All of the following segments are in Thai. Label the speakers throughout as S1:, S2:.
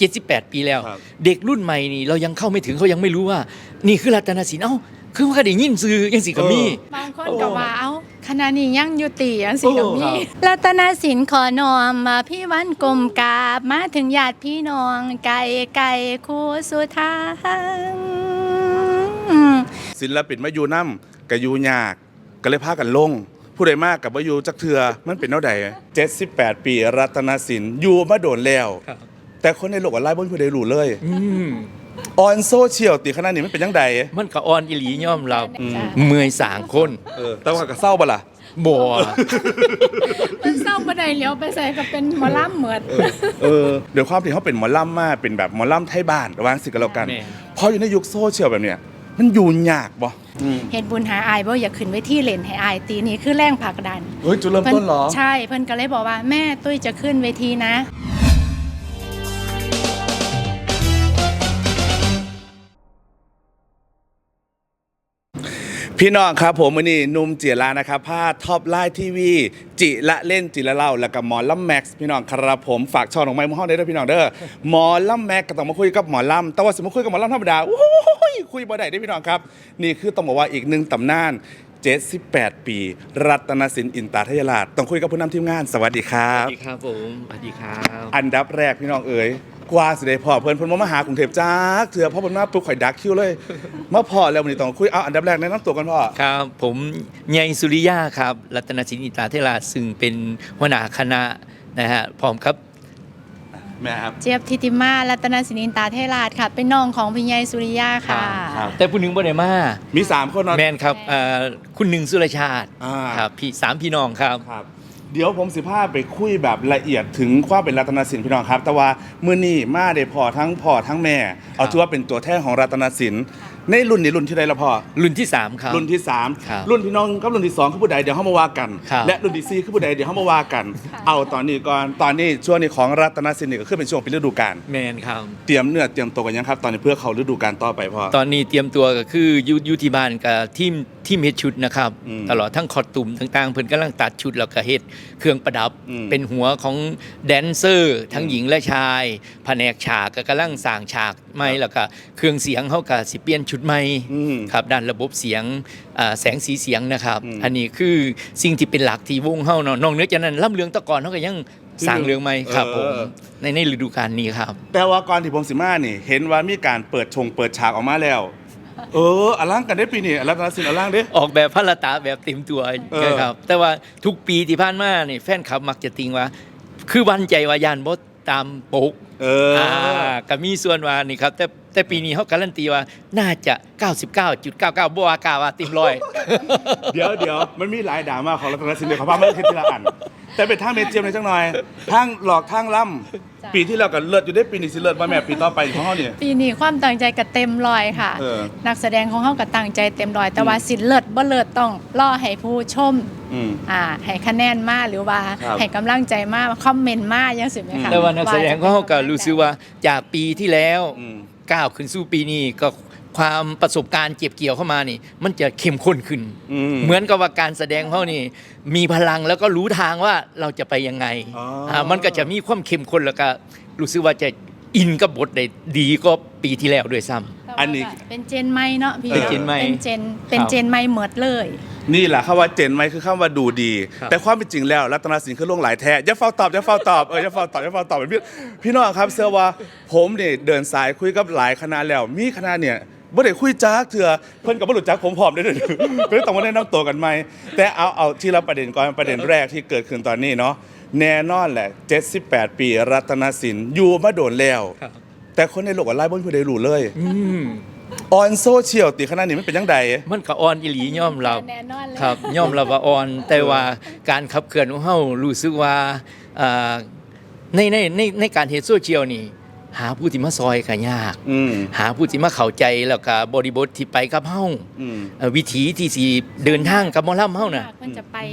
S1: 78 ปีแล้วเด็กรุ่นใหม่นี่เรายังเข้าไม่ถึงเขายังไม่รู้ว่านี่คือรัตนศิลป์คือมันก็ได้ยินซื้อยังสิก็มี
S2: บางคนก็ว่าคณะนี้ยังอยู่ตียังสิก็มีรัตนศิลป์ขอน้อมมาพี่วันกลมกราบมาถึงญาติพี่น้องไก่คู่สุดทาง
S3: ศิลปินมาอยู่น้ำกับอยู่ยากก็เลยพากันลงผู้ใดมากกับมาอยู่จักเทือมันเป็นเท่าใด78 ปีรัตนศิลป์อยู่มาโดนแล้วแต่คนในโลกออนไลน์บ่มีผู้ใดรู้เลยออนโซเชียลติขนาดนี้มันเป็นยังไง
S1: มันก็ออนอีหลีย่อมเราเมื่อยสางคน
S3: แต่ว่าก็เศร้าบ่ล่ะ
S1: บ่
S2: มันเศร้าบ่ได้เลี้ยวไปใส่ก็เป็นหมอลำเหมือน
S3: เดี๋ยวความที่เขาเป็นหมอลำมาเป็นแบบหมอลำไทยบ้านระวังสิกันแล้วกันพออยู่ในยุคโซเชียลแบบเนี้ยมันอยู่ยากบ่
S2: เฮ็ดบุญหาอายบ่อยากขึ้นเวทีเล่นให้อายตีนี่คือแรงผลักดัน
S3: จุดเริ่มต้นเหรอ
S2: ใช่เพิ่นก็เลยบอกว่าแม่ตุ้ยจะขึ้นเวทีนะ
S3: พี่น้องครับผมวันนี้นุ่มจิระนะครับพาท็อปไลน์ทีวีจิละเล่นจิละเล่าแล้วก็หมอลำแม็กซ์พี่น้องครับผมฝากช่องของไม้มือห้องได้ด้วยพี่น้องเด้อหมอลำแม็กซ์ก็ต้องมาคุยกับหมอลำแต่ว่าสมมติคุยกับหมอลำธรรมดาโอ้ยคุยบ่ได้พี่น้องครับนี่คือต้องบอกว่าอีกหนึ่งตำนาน78 ปีรัตนศิลป์อินตาทยราชต้องคุยกับผู้นำทีมงานสวัสดีครับ
S1: สวัสดีครับผมสวัสดีครับ
S3: อันดับแรกพี่น้องเอ๋ยกว่าสิได้พ่อเพิ่นมาหากรุงเทพจ้าเถื่อพ่อเพิ่นมาปุ๊บข่อยดักคิวเลยมาพ่อแล้ววันนี้ต้องคุยอันดับแรกแนะนำตัวกันพ่อ
S1: ครับผมใหญ่สุริยาครับรัตนศิลป์อินตาทยราชซึ่งเป็นหัวหน้าคณะนะฮะพร้อมครับ
S3: แม่ครับ
S2: เจี๊ยบทิติมารัตนศิลป์อินตาเทศราชค่ะเป็นน้องของพี่ใหญ่สุริยาค่ะ
S1: แต่ผู้หนึ่งบ่ได้มา
S3: มี3คนเนาะ
S1: แม่นครับคุณหนึ่งสุรชาติครับพี่น้องครับ
S3: เดี๋ยวผม15ไปคุยแบบละเอียดถึงความเป็นรัตนศิลป์พี่น้องครับแต่ว่ามื้อนี้มาได้พ่อทั้งแม่เอาถือว่าเป็นตัวแทนของรัตนศิลป์ในรุ่นนี้รุ่นที่ใดละพ่อ
S1: รุ่นที่3ครับ
S3: รุ่นที่3รุ่นพี่น้องกับรุ่นที่2คือผู้ใดเดี๋ยวเฮามาว่ากันและรุ่นที่4คือผู้ใดเดี๋ยวเฮามาว่ากันเอาตอนนี้ก่อนตอนนี้ช่วงนี้ของรัตนศิลป์นี่ก็คือเป็นช่วงเป็นฤดูกาล
S1: แม่นครับ
S3: เตรียมเนื้อเตรียมตัวกันยังครับตอนนี้เพื่อเข้าฤดูกาลต่อไปพ่อ
S1: ตอนนี้เตรียมตัวก็คืออยู่ที่บ้านกับทีมเฮ็ดชุดนะครับตลอดทั้งคอสตูมต่างๆเพิ่นกำลังตัดชุดแล้วก็เฮ็ดเครื่องประดับเป็นหัวของแดนเซอร์ทั้งหญิงและชายแผนกฉากก็กำลังสร้างฉากใหม่แล้วก็เครื่องเสียงเฮาก็สิเปลี่ยนชุดใหม่ครับด้านระบบเสียงแสงสีเสียงนะครับอันนี้คือสิ่งที่เป็นหลักที่วงเฮาเนาะนอกเหนือจากนั้นล่ำเรื่องตะก่อนเฮาก็ยังสร้างเรื่องใหม่ครับผมในฤดูกาลนี้ครับ
S3: แต่ว่าก่อนที่ผมสิมานี่เห็นว่ามีการเปิดฉากออกมาแล้วอลังกันได้ปีนี้รัตนศิลป์อลังเด้
S1: ออกแบบพระลตาแบบเต็มตัวครับแต่ว่าทุกปีที่ผ่านมานี่แฟนคลับมักจะติงว่าคือวันใจว่ายานบ่ตามปกก็มีส่วนว่านี่ครับแต่ปีนี้เขาการันตีว่าน่าจะ 99.99 บ่ว่ากล้าว่าเต็มร้อย
S3: เดี๋ยวมันมีหลายดราม่าของรัตนศิลป์เดี๋ยวเขาพามาคิดทีละอันแต่เป็นทางเมเจียมในจังหน่อยทางหลอกทางล่ำปีที่เราก็เลิศอยู่ได้ปีนี้สิเลิศว่าแม่ปีต่อไปของเฮานี่
S2: ปีนี้ความตั้งใจก็เต็มร้อยค่ะนักแสดงของเฮาก็ตั้งใจเต็มร้อยแต่ว่าสิเลิศบ่เลิศต้องรอให้ผู้ชมให้คะแนนมาหรือว่าให้กำลังใจมาคอมเมนต์มาจังซี่มั้ยคะ
S1: แต่ว่านักแสดงของเฮาก็รู้สึกว่าจากปีที่แล้วก้าวขึ้นสู่ปีนี้ก็ความประสบการณ์เก็บเกี่ยวเข้ามานี่มันจะเข้มข้นขึ้นเหมือนกับว่าการแสดงเขานี่มีพลังแล้วก็รู้ทางว่าเราจะไปยังไงมันก็จะมีความเข้มข้นแล้วก็รู้สึกว่าจะอินกับบทได้ดีก็ปีที่แล้วด้วยซ้ำ
S2: อันนี้เป็นเจนใหม่เนาะพี่
S1: เป็นเจนใหม่
S2: เป็นเจนใหม่หมดเลย
S3: นี่แหละคำว่าเจนใหม่คือคำว่าดูดีแต่ความเป็นจริงแล้วรัตนศิลป์คือล่วงหลายแท้อย่าเฝ้าตอบอย่าเฝ้าตอบเป็นพี่น้องครับเชื่อว่าผมเนี่ยเดินสายคุยกับหลายคณะแล้วมีคณะเนี่ยบ่ได้คุยจักเถื่อเพิ่นก็บ่รู้จักผมพร้อมเด้อก็เลยต้องมาแนะนำตัวกันใหม่แต่เอาที่ละประเด็นก่อนประเด็นแรกที่เกิดขึ้นตอนนี้เนาะแน่นอนแหละ78 ปีรัตนศิลป์อยู่มาโดนแล้วแต่คนในโลกออนไลน์บ่มีผู้ใดรู้เลยออนโซเชียลติขนาดนี้มันเป็นจังได
S1: มันก็ออนอีหลีย่อมรับครับย่อมรับว่าออนแต่ว่าการขับเคลื่อนของเฮารู้สึกว่าในการเฮ็ดโซเชียลนี่หาผู้ที่มาซอยก็ยากหาผู้ที่มาเข้าใจแล้วก็บริบทที่ไปกับเฮาวิถีที่สิเดินทางกับหมอลำเฮาน่ะ
S2: เพิ่นจะไป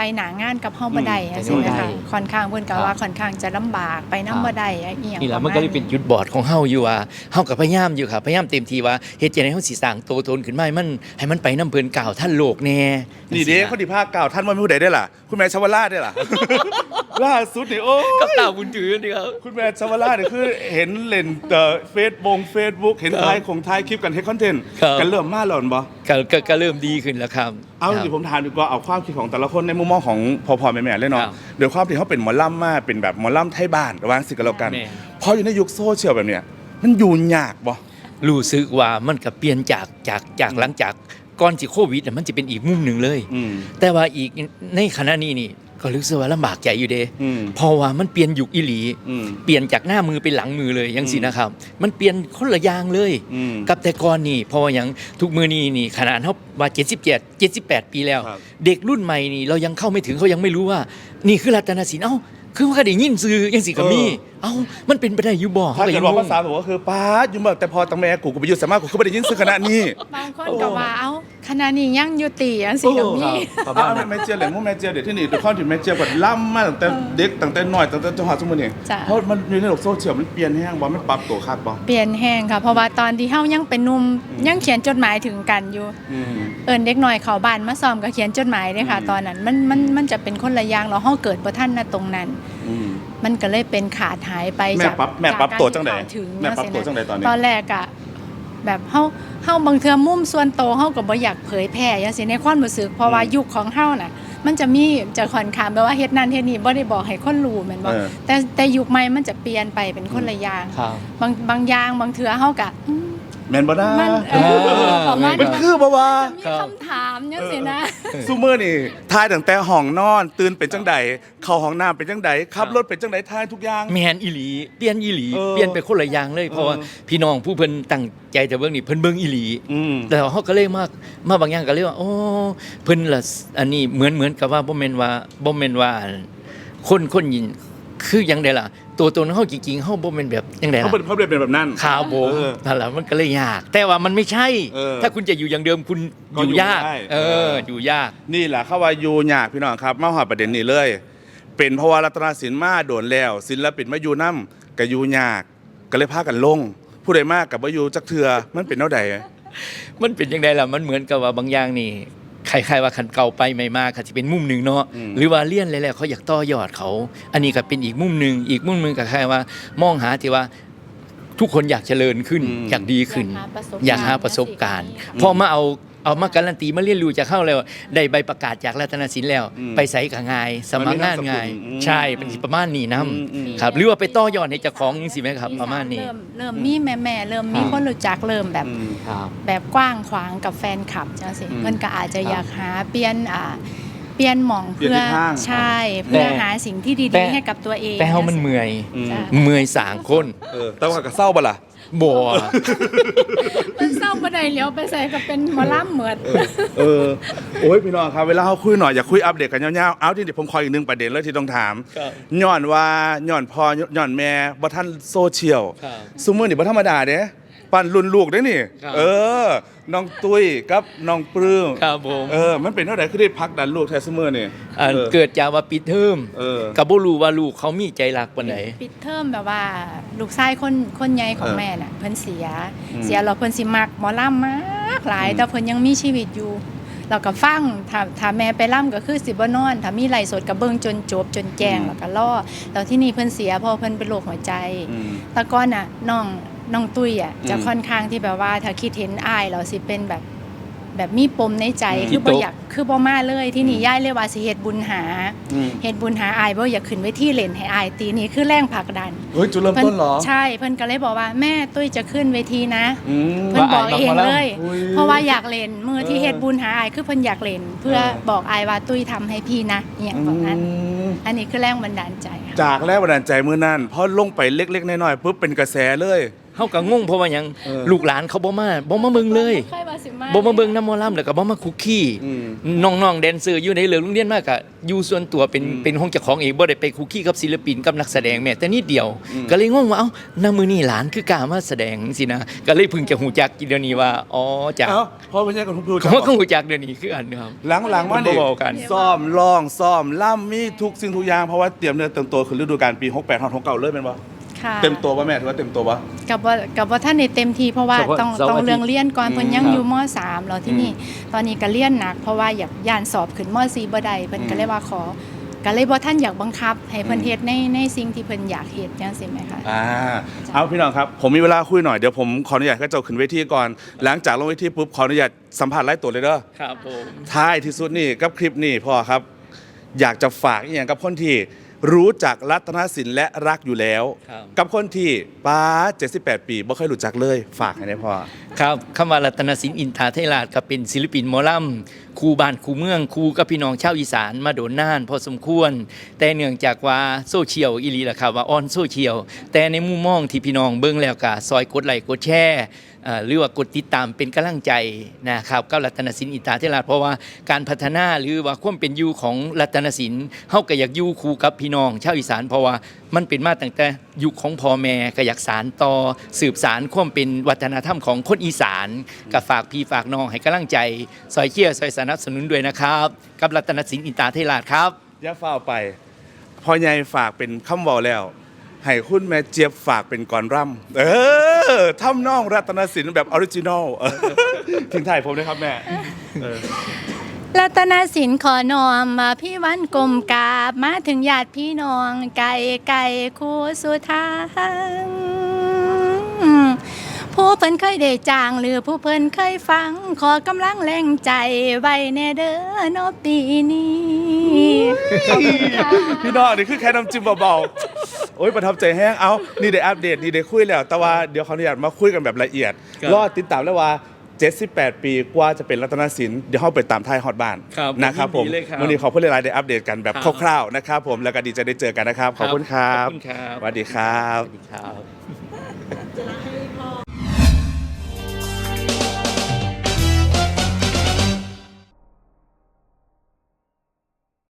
S2: หน้างานกับเฮาบ่ได้จังซี่แหมค่ะค่อนข้างเพิ่นก็ว่าค่อนข้างจะลำบากไปนำบ่ได้อีหยัง
S1: นี่แหละ
S2: ประ
S1: มัน
S2: มาณ
S1: ก็เลยเป็นจุดบอดของเฮาอยู่ว่าเฮาก็พยายามอยู่ครับพยายามเต็มที่ว่าเฮ็ดจังได๋เฮาสิสร้างตัวตนขึ้นมาให้มันไปนำเพิ่นก้าวท่านโลกแน่
S3: นี่เด้เขาที่ภาคเก่าท่านว่าไม่ผู้ใดได้ล่ะ คุณแม่ชวราชได้ล่ะ ล่าสุดนี่โอ้
S1: กับ
S3: ย
S1: ตาบุญถือนี่ครับ
S3: คุณแม่ชวราชนี่คือเห็นเล่นเฟซบุ๊กเห็นท้ายของท้ายคลิปกันเฮ็ดคอนเทนต์
S1: ครับ
S3: กันเริ่มมาแล้วบ่
S1: ก็เริ่มดีขึ้นแล้วครับ
S3: เอา
S1: ครับ
S3: สิผมถามดีกว่าเอาความคิดของแต่ละคนในมุมมองของพ่อแม่ๆเลยเนาะ
S1: ครับ
S3: เดี๋ยวความที่เขาเป็นหมอลำมาเป็นแบบหมอลำไทยบ้านระหว่างสิกันแล้วกัน
S1: แม่
S3: พออยู่ในยุคโซเชียลแบบเนี้ยมันอยู่ยากบ่
S1: รู้สึกว่ามันก็เปลี่ยนจากหลังจากก่อนสิโควิดน่ะมันจะเป็นอีกมุมหนึ่งเลย
S3: อืม
S1: แต่ว่าอีกในขณะนี้นี่ก็รู้สึกว่าลำบากใจอยู่เด้
S3: อืม
S1: เพราะว่ามันเปลี่ยนยุคอีหลี
S3: อืม
S1: เปลี่ยนจากหน้ามือเป็นหลังมือเลยยังสินะครับ มันเปลี่ยนคนละอย่างเลย
S3: อืม
S1: กับแต่ก่อนนี่เพราะว่าอย่างทุกมือนี้นี่ขนาดเขาว่า78 ปีแล้ว
S3: ครับ
S1: เด็กรุ่นใหม่นี่เรายังเข้าไม่ถึงเขายังไม่รู้ว่า นี่คือรัตนศิลป์เอ้าคือว่าได้ยินซื้อยังสิก็มีเอ้ามันเป็นไปได้อยู่บ่
S3: ถ้า
S1: ก็
S3: เกิ
S1: ยั
S3: ด
S1: ง
S3: ว่าง
S1: ง
S3: ภาษาผมก็คือป้าดอยู่เมื่อแต่พอตั้งแม่กูไปอยู่สามารถกูไปได้ยินซื้อคณะนี้
S2: บางคนก็ว่าเอ้าคณะนี้ยังอยู่ตีจังซี่ก็มี
S1: ประมา
S3: อ้า
S1: ณ
S3: ว
S1: นั้น
S3: แม่เจียเหลยมุ้งแม่เจียเดี๋ยวที่นี่เดี๋ยวข้อถึงแม่เจียก่อนล่ำมาตั้งแต่เด็กตั้งแต่น้อยตั้งแต่จังหวัดสมุทรนี่
S2: จ้ะ
S3: เพราะมันอยู่ในโลกโซเชียลมันเปลี่ยนแห้งบ่มันปรับตัวคาดบ่
S2: เปลี่ยนแห้งค่ะ เพราะว่าตอนที่เฮายังเป็นหนุ่มยังเขียนจดหมายถึงกันอยู่
S3: อืม
S2: เอิ้นเด็กน้อยเข้าบ้านมาซ้อมก็เขียนจดหมายเด้ค่ะ
S3: อืม
S2: ตอนนั้นมันจะเป็นคนละอย่างแล้วเฮาเกิดบ่ทันณตรงนั้น
S3: อืม
S2: มันก็เลยเป็นขาดหายไป
S3: แม่
S2: จาก
S3: ปรับตัวจังใด
S2: จากการที่เข้าถึง
S3: แม่ปรับตัวจังใดตอนนี้
S2: ตอนแรกอะแบบเฮาบางเทื่อมุมส่วนโตวเฮาก็บ่อยากเผยแพร่จังซี่ในความรู้สึกเพราะว่ายุคของเฮาน่ะ มันจะมีจะค่อนข้างแบบว่าเฮ็ดนั่นเฮ็ดนี่บ่ได้บอกให้คนรู้แม่นบ่
S3: เออ
S2: แต่ยุคใหม่มันจะเปลี่ยนไปเป็นคนละอย่าง
S1: ครับ
S2: บางอย่างบางเทื่อเฮาก็
S3: แม่นบ่นะ
S2: มันประมาณ
S3: มันคือบ่ว่า
S2: มีคำถามจังซี่นะ
S3: ซูเมอร์นี่ทายตั้งแต่ห้องนอนตื่นเป็นจังใดเข้าห้องน้ำเป็นจังใดขับรถเป็นจังใดทายทุกอย่าง
S1: แมนอีหลีเปลี่ยนอีหลี
S3: เออ
S1: เปลี่ยนไปคนละอย่างเลยเพราะว่าพี่น้องผู้เพิ่นตั้งใจจะเบิ่งนี่เพิ่นเบิ่งอีหลี
S3: อืม
S1: แต่เขาก็เลยมาบางอย่างก็เลยว่าโอ้เพิ่นละอันนี้เหมือนกับว่าบ่แม่นว่าคนยินคือจังไดล่ะ ตัวตนเฮาจริงๆเฮาบ่แม่นแบบจังได
S3: เขา
S1: ล่ะ
S3: เป็นแบบนั้น
S1: ข่าวโบม
S3: เออ
S1: นั่นแหละมันก็เลยยาก แต่ว่ามันไม่ใช่
S3: เออ
S1: ถ้าคุณจะอยู่อย่างเดิมคุณ
S3: ก็
S1: อยู่ยาก
S3: อยู่ได้
S1: อยู่ยาก
S3: นี่แหละเข้าว่าอยู่ยากพี่น้องครับมาหอดประเด็นนี้เลย เป็นเพราะว่ารัตนศิลป์มาโดนแล้วศิลปินมาอยู่นำก็อยู่ยากก็เลยพากันลง ผู้ใดมากกับว่าอยู่จักเทือมันเป็นเท่าใด
S1: มันเป็นยังไงล่ะ มันเหมือนกับว่าบางอย่างนี่ใครๆว่าคันเก่าไปไม่มากค่ะจะเป็นมุมหนึ่งเนาะ
S3: อืม
S1: หรือว่าเลี่ยนแล้วเขาอยากต่อยอดเขา อันนี้ก็เป็นอีกมุมหนึ่งกับใครว่ามองหาที่ว่าทุกคนอยากเจริญขึ้น อยากดีขึ้น อยากหาประสบการณ์พอมาเอามาการันตีมาเรียนรู้จากเข้าแล้วได้ใบประกาศจากรัตนศิลป์แล้ว ไปใส่กับงายสมัครงานง่ายใช่เป็นสิประมาณนี้นํครับหรือว่าไปต่อยอดให้เจ้าของจังซี่ไหมครับประมาณนี้
S2: เริ่มมีแม่ๆเริ่มมีคนรู้จักเริ่มแบบ
S3: อืม
S1: ครับ
S2: แบบกว้างขวางกับแฟนคลับจังซี่
S3: อืม
S2: เพิ่นก็อาจจะอยากหาเปลี่ยนหม่อง
S3: เปลี่ยน
S2: เพื่อ
S3: ทิศทาง
S2: ใช่เพื่อหาสิ่งที่
S1: แต่
S2: ดีๆให้กับตัวเอง
S1: แต่เฮามันเมื่อย
S3: อืม
S2: จ้ะ
S1: เมื่อยสร้างคน
S3: แต่ว่าก็เศร้าบ่ล่ะ
S1: บ่
S2: มันเศร้าบ่ได้เลี้ยวไปใส่ก็เป็นหมอลำเหมือด
S3: โอ้ยพี่น้องครับเวลาเขาคุยหน่อยอยากคุยอัปเดตกันยาวๆเอาที่เดี๋ยวผมขออีกหนึ่งประเด็นเลยที่ต้องถาม
S1: ครับ
S3: ย้อนว่าย้อนพ่อย้อนแม่บ่ทันโซเชียล
S1: ครับ
S3: ซุมื้อนี่บ่ธรรมดาเด้ปั่นรุ่นลูกเด้นี่
S1: ครับ
S3: น้องตุ้ยกับน้องปลื้ม
S1: ครับผม
S3: มันเป็นเท่าไหร่คือได้พักดันลูกแท้ซุมื้อนี่
S1: อันเกิดจากว่าปิดเทอม
S3: เออ
S1: ก็บ่รู้ว่าลูกเขามีใจรักปานใด
S2: ปิดเทอมแบบว่าลูกชายคนใหญ่ของแม่น่ะเพิ่นเสียแล้วเพิ่นสิมักหมอลำมากหลายแต่เพิ่นยังมีชีวิตอยู่เราก็ฟังถ้าแม่ไปล่ำก็คือสิบ่นอนถ้ามีไลฟ์สดก็เบิ่งจนจบจนแจ้งแล้วก็รอแล้วที่นี่เพิ่นเสียเพราะเพิ่นเป็นโรคหัวใจ แต่ก่อนน่ะน้องตุ้ยอ่ะจะค่อนข้างที่แบบว่าถ้าคิดเห็นอายเราสิเป็นแบบมีปมในใจ
S1: ที่
S2: คือบ่
S1: โต๊ะ
S2: อยากคือบ่มาเลยที่นี่ย้ายเลยว่าสิเฮ็ดบุญหาเฮ็ดบุญหาอายบ่อยากขึ้นเวทีเล่นให้อายตีนี่คือแรงผลักดัน
S3: เฮ้ยจุดเริ่มต้นเหรอ
S2: ใช่เพิ่นก็เลยบอกว่าแม่ตุ้ยจะขึ้นเวทีนะ
S3: อืม
S2: เพิ่นบอกเองเลย
S3: อุ้ย
S2: เพราะว่าอยากเล่นมือที่เฮ็ดบุญหาอายคือเพิ่นอยากเล่นเพื่อ
S3: เออ
S2: บอกอายว่าตุ้ยทำให้พี่นะอหย่างแบบนั้น
S3: อืม
S2: อันนี้คือแรงบันดาลใจค่ะ
S3: จากแรกบันดาลใจมื้อนั้นพอลงไปเล็กๆน้อยๆปุ๊บเป็นกระแสเลย
S1: เฮาก็งงเพราะว่าหยังลูกหลานเขาบ่มาเบิ่งเลย
S2: ค่อยว่าสิมา
S1: บ่มาเบิ่งน้ำหมอลำแล้วก็บ่มาคุกคีน้องๆแดนเซอร์อยู่ในเรื่องโรงเรียนมากก็อยู่ส่วนตัวเป็นห้องเจ้าของเองบ่ได้ไปคุกคีกับศิลปินกับนักแสดงแม้แต่นิดเดียว ก็เลยงงว่าเอ้าน้ามื้อนี้หลานคือกล้ามาแสดงสินะก็เลยเพิ่งจะฮู้จักเดี๋ยวนี้ว่าอ๋อจ้ะ
S3: เอ้าพอไม่ใช่กับทุก
S1: เขาก็ฮู้จักเดี๋ยวนี้คืออันครับ
S3: หลังๆมานี่
S1: บ่เว้ากัน
S3: ซ้อมร้องซ้อมล่ำมีทุกสิ่งทุกอย่างเพราะว่าเตรียมเนื้อเต็มตัวคือฤดูกาลปี68 69เลยเป็นบ่
S2: ค่ะ
S3: เต็มตัวป่ะแม่ถือว่าเต็มตัวป่ะ
S2: กับว่าท่านในเต็มทีเพราะว่า
S1: เฉพาะ
S2: ต้อง
S1: เสาร์
S2: ต้อง
S1: อาทิตย์
S2: เรื่องเรียนก่อนเพิ่นยัง
S1: ครับ
S2: อยู่ม .3 แล้วที่นี่ตอนนี้ก็เรียนหนักเพราะว่าอยากย่านสอบขึ้นม .4 บ่ได้เพิ่นก็เลยว่าขอก็เลยบ่ท่านอยากบังคับให้เพิ่นเฮ็ดในสิ่งที่เพิ่นอยากเฮ็ดจังซี่ไหมคะ
S3: เอาพี่น้องครับผมมีเวลาคุยหน่อยเดี๋ยวผมขออนุญาตให้เจ้าขึ้นเวทีก่อนหลังจากลงเวทีปุ๊บขออนุญาตสัมภาษณ์ไล่ตัวเลยเด้อ
S1: ครับผม
S3: ท้ายที่สุดนี่กับคลิปนี่พ่อครับ อยากจะฝากอีกอย่างกับคนที่รู้จักรัตนศิลป์และรักอยู่แล้ว
S1: ครับ
S3: กับคนที่ป้า78 ปีบ่เคยรู้จักเลยฝากให้ได้พ่อ
S1: ครับคำว่ารัตนศิลป์อินทราเทราชก็เป็นศิลปินหมอลำคู่บ้านคู่เมืองคู่กับพี่น้องชาวอีสานมาโดนนานพอสมควร แต่เนื่องจากว่าโซเชียลอีหลีล่ะครับว่าออนโซเชียลแต่ในมุมมองที่พี่น้องเบิ่งแล้วก็ซอยกดไลค์กดแชร์หรือว่ากดติดตามเป็นกำลังใจนะครับกับรัตนศิลป์อินทราเทราชเพราะว่าการพัฒนาหรือว่าความเป็นอยู่ของรัตนศิลป์เฮาก็อยากอยู่คู่กับพี่น้องชาวอีสานเพราะว่ามันเป็นมาตั้งแต่ยุคของพ่อแม่ก็อยากสานต่อสืบสานความเป็นวัฒนธรรมของคนอีสานก็ฝากพี่ฝากน้องให้กำลังใจซอยเชียร์ซอยสนับสนุนด้วยนะครับกับรัตนศิลป์อินทราเทราชครับ
S3: อย่าเฝ้าไปพ่อใหญ่ฝากเป็นคำเว้าแล้ว ให้คุณแม่เจี๊ยบฝากเป็นกรร่ำทำนองรัตนศิลป์แบบออริจินอลทิ้งท้ายผมด้วยครับแม่
S2: รัตนศิลป์ขอนอมมาพี่วันกลมกราบมาถึงญาติพี่น้องไก่คู่สุดทางผู้เพิ่นเคยได้จางหรือผู้เพิ่นเคยฟังขอกำลังแรงใจไว้แน่เด้อเนอปีนี้ขอบคุณค่ะ
S3: พี่น้องนี่คือแค่น้ำจิ้มเบาๆ โอ้ยประทับใจแห้งเอานี่ได้อัปเดตนี่ได้คุยแล้ว แต่ว่าเดี๋ยวขออนุญาตมาคุยกันแบบละเอียด
S1: ครับ
S3: รอติดตามแล้วว่า 78 ปีกว่าจะเป็นรัตนศิลป์เดี๋ยวเข้าไปตามท้ายฮอตบ้าน
S1: ครับ
S3: นะครับผม
S1: ยินดีเลยครับ
S3: วันนี้ขอพูดหลายๆได้อัปเดตกันแบบ
S1: ครับ
S3: คร่าวๆนะครับผมแล้วก็ดีใจได้เจอกันนะครับ ขอบคุณครับ
S1: ขอบคุณครับ
S3: สวัสดีครับ
S1: สวัสดีครับ